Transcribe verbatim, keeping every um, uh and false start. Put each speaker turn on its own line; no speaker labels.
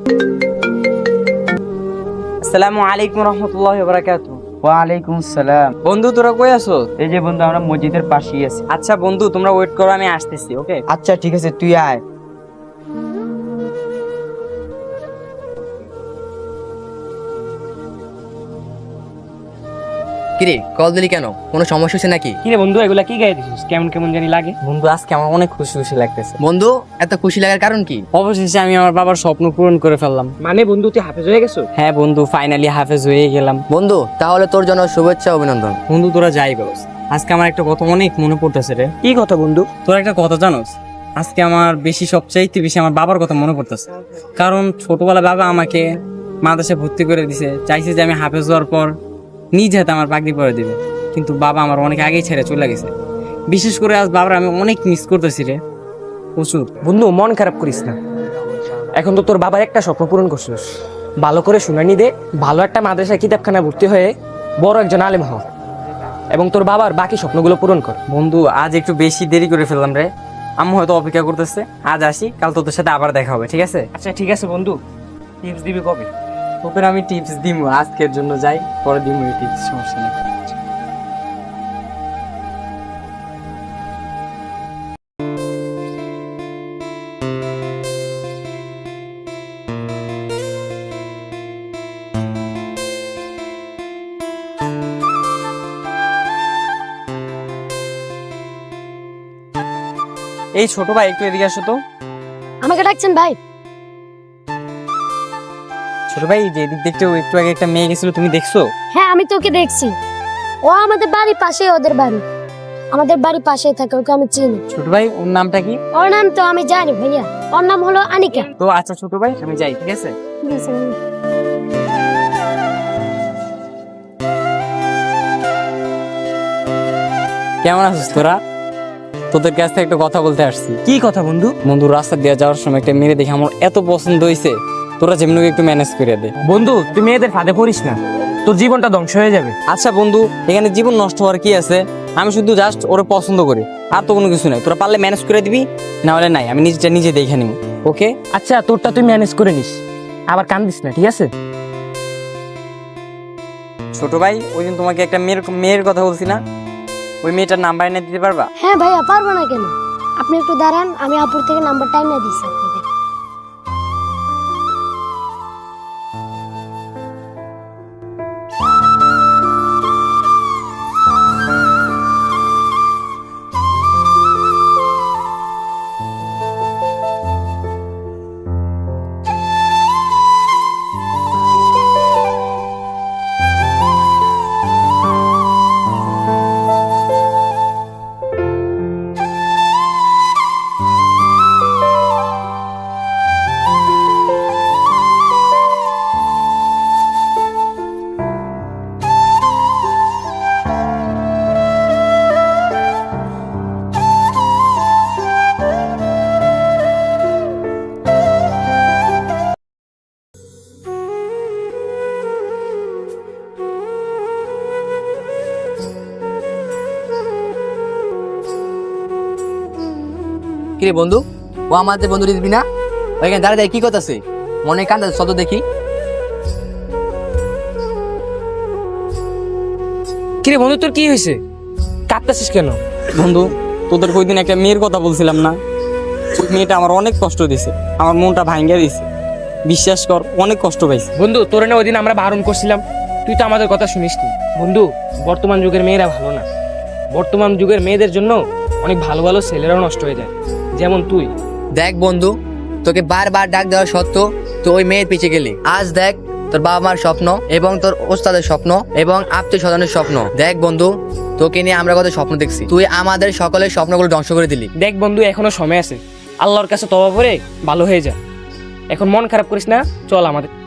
আসসালামু আলাইকুম রহমতুল্লাহি ওয়া বারাকাতুহু।
ওয়ালাইকুম আসসালাম।
বন্ধু তোরা কই আছো?
এই যে বন্ধু আমরা মসজিদের পাশেই আছি।
আচ্ছা বন্ধু তোমরা ওয়েট করো, আমি আসতেছি। ওকে
আচ্ছা ঠিক আছে, তুই আয়।
কিরে কল দিলি কেন? কোনো সমস্যা হচ্ছে নাকি?
কি রে বন্ধু, এগুলা কি গায়ে দিছিস? কেমন কেমন জানি লাগে।
বন্ধু আজকে আমার অনেক খুশি খুশি লাগতেছে।
বন্ধু এত খুশি লাগার কারণ কি?
অবশেষে আমি আমার বাবার স্বপ্ন পূরণ করে ফেললাম।
মানে বন্ধু তুই হাফেজ হয়ে গেছো?
হ্যাঁ বন্ধু, ফাইনালি হাফেজ হয়ে গেলাম।
বন্ধু তাহলে তোর জন্য শুভেচ্ছা অভিনন্দন।
বন্ধু তোরা যাই বস, আজকে আমার একটা কথা অনেক মনে পড়তেছে রে।
কি কথা বন্ধু?
তোরা একটা কথা জানোস, আজকে আমার বেশি সবচাইতে বেশি আমার বাবার কথা মনে পড়তেছে। কারণ ছোটবেলা বাবা আমাকে মাদ্রাসায় ভর্তি করে দিছে, চাইছে যে আমি হাফেজ হওয়ার পর নিজ হাতে আমার পাগড়ি পরে দিবে, কিন্তু বাবা আমার অনেক আগেই ছেড়ে চলে গেছে। বিশেষ করে আজ বাবার আমি অনেক মিস করতেছি রে, প্রচুর।
বন্ধু মন খারাপ করিস না, এখন তো তোর বাবার একটা স্বপ্ন পূরণ করছিস। ভালো করে শুনানি দে, ভালো একটা মাদ্রাসায় কিতাবখানা ভর্তি হয়ে বড় একজন আলেম হ, এবং তোর বাবার বাকি স্বপ্নগুলো পূরণ কর।
বন্ধু আজ একটু বেশি দেরি করে ফেললাম রে, আম্মু হয়তো অপেক্ষা করতেছে। আজ আসি, কাল তোদের সাথে আবার দেখা হবে, ঠিক আছে?
আচ্ছা ঠিক আছে বন্ধু, টিপস দিবি কবে?
তোদের আমি টিপস দিব, আজকের জন্য যাই, পরে দিব এই টিপস, সমস্যা নেই। এই ছোট ভাই একটু এদিকে আসো তো।
আমাকে ডাকছেন ভাই?
ছোট ভাই যে এদিক দেখতে একটু আগে একটা মেয়ে গেছিল, তুমি দেখছো?
হ্যাঁ আমি তো ওকে দেখছি, ও আমাদের বাড়ির পাশে, ওদের বাড়ি আমাদের বাড়ির পাশেই থাকে, ওকে আমি চিনি।
ছোট ভাই ওর নামটা কি?
ওর নাম তো আমি জানি ভাইয়া, ওর নাম হলো আনিকা।
তো আচ্ছা ছোট ভাই আমি যাই, ঠিক আছে?
ঠিক আছে ভাইয়া।
কেমন আছিস তোরা? তোদের কাছ থেকে একটা কথা বলতে আসছি।
কি কথা বন্ধু?
বন্ধু রাস্তা দিয়ে যাওয়ার সময় একটা মেয়ে দেখে আমার এত পছন্দ হয়েছে, তোরা যেমনি একটু ম্যানেজ করে দে।
বন্ধু তুই মেয়েদের ফাঁদে পড়িস না, তোর জীবনটা ধ্বংস হয়ে যাবে।
আচ্ছা বন্ধু, এখানে জীবন নষ্ট হওয়ার কি আছে? আমি শুধু জাস্ট ওরে পছন্দ করি, আর তো কোনো কিছু নাই। তোরা পারলে ম্যানেজ করে দিবি, না হলে নাই, আমি নিজেটা নিজে দেখে নিব। ওকে
আচ্ছা তোরটা তুই ম্যানেজ করে নিস, আবার কান্দিস না, ঠিক আছে?
ছোট ভাই, ওই দিন তোমাকে একটা মেয়ের মেয়ের কথা বলছি না, ওই মেয়েটার নাম্বার এনে দিতে পারবা?
হ্যাঁ ভাইয়া, পারবো না কেন? আপনি একটু দাঁড়ান, আমি আপুর থেকে নাম্বারটা এনে দিচ্ছি আপনাকে।
কিরে বন্ধু, ও আমাদের বন্ধু দিবি না? ওইখানে দাঁড়িয়ে দাঁড়িয়ে কি করতেছে? মনে কান্দা শত দেখি।
কিরে বন্ধু তোর কি হয়েছে, কাঁদতেছিস কেন?
বন্ধু তোদের ওই দিন একটা মেয়ের কথা বলছিলাম না, ওই মেয়েটা আমার অনেক কষ্ট দিছে, আমার মনটা ভাঙ্গিয়ে দিছে। বিশ্বাস কর, অনেক কষ্ট পাইছি।
বন্ধু তোর না ওই দিন আমরা বারণ করছিলাম, তুই তো আমাদের কথা শুনিস নি। বন্ধু বর্তমান যুগের মেয়েরা ভালো না, বর্তমান যুগের মেয়েদের জন্য অনেক ভালো ভালো ছেলেরাও নষ্ট হয়ে যায়, যেমন তুই।
দেখ বন্ধু, তোকে বারবার ডাক দেওয়া সত্ত্বেও তুই ওই মেয়ের পিছে গেলি। আজ দেখ তোর বাবা মার স্বপ্ন এবং তোর ওস্তাদের স্বপ্ন এবং আত্মীয় স্বজনের স্বপ্ন। দেখ বন্ধু, তোকে নিয়ে আমরা কত স্বপ্ন দেখছি, তুই আমাদের সকলের স্বপ্নগুলো ধ্বংস করে দিলি।
দেখ বন্ধু, এখনো সময় আছে, আল্লাহর কাছে তওবা করে ভালো হয়ে যা। এখন মন খারাপ করিস না, চল আমাদের